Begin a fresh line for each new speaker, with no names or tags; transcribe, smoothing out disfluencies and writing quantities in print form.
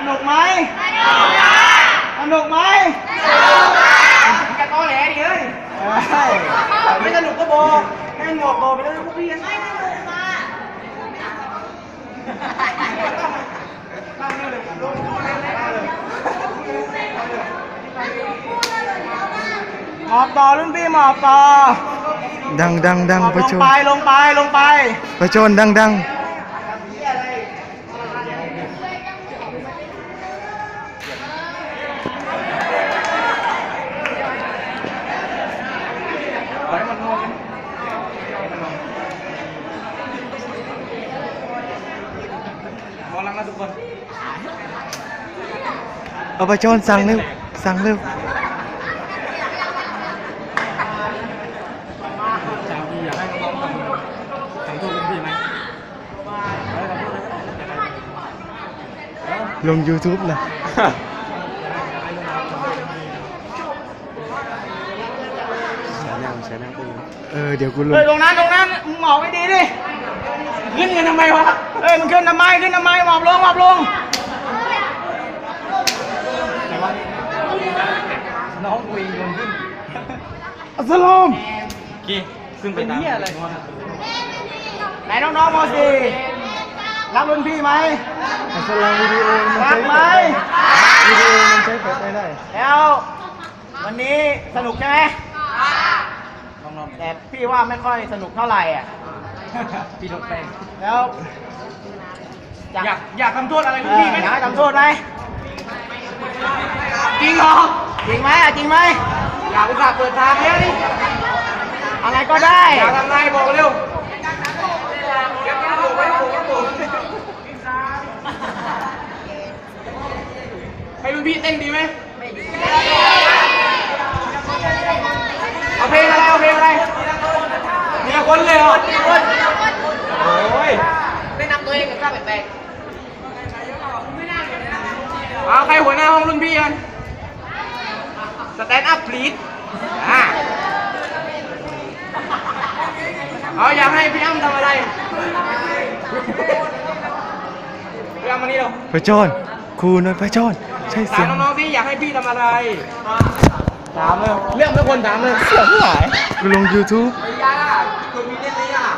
นุกไหมสนุกไหมจะต้อแหลดิเฮ้ยไม่สนุกก็โบให้หมวกโบไปแล้วพวกพี่ไม่สนุกมาหมอบต่อรุ่นพี่หมอบต่อ
ดังประชน
ลงไป
ประชนดัง
มองลังนะทุกคน
เอาประชนสั่งเร็วลง YouTube นะเดี๋ยวกูลง
ตรงนั้นมึงหมอบไม่ดีดิขึ้นกันทำไมวะมึงขึ้นทำไมหมอบลงน้องกุยโยนขึ้น
อัสสลาม
กี่ขึ้นไปนี่อะไรไหนน้องม.4รักรุ่นพี่ไหม
อัสสลามวิดีโอมันใช้
ไหม
วิดีโอมันใช้ไปได้
แล้ววันนี้สนุกใช่ไหมแต่พี่ว่าไม่ค่อยสนุกเท่าไหร่อ่ะพี่ลงไปแล้วอยากทำโทษอะไรรุ่นพี่ไหมอยากทำโทษไหมจริงเหรอจริงไหมอยากอุตส่าห์เปิดทางแล้วนี่อะไรก็ได้อยากทำไงบอกเร็วให้รุ่นพี่เต้นดีไหมไม่ดีเอาเพลงอะไรมีคนเลยเหรอโอ้ยไม่นำตัวเองกับข้าแปลกๆเอาใครหัวหน้าห้องรุ่นพี่กันสแตนด์อัพพลีดเอาอยากให้พี่อ้ำทำอะไรพี่อ้ำมานี่เร็ว
ประชนครูหน่อยประชนใช่เสียง
ถามน้องๆที่อยากให้พี่ทำอะไรถามเลยเรื่องไม่ควรถามเลยเสียงหาย
กูลง YouTube
ไม่ยากคุณมีเล่นไหม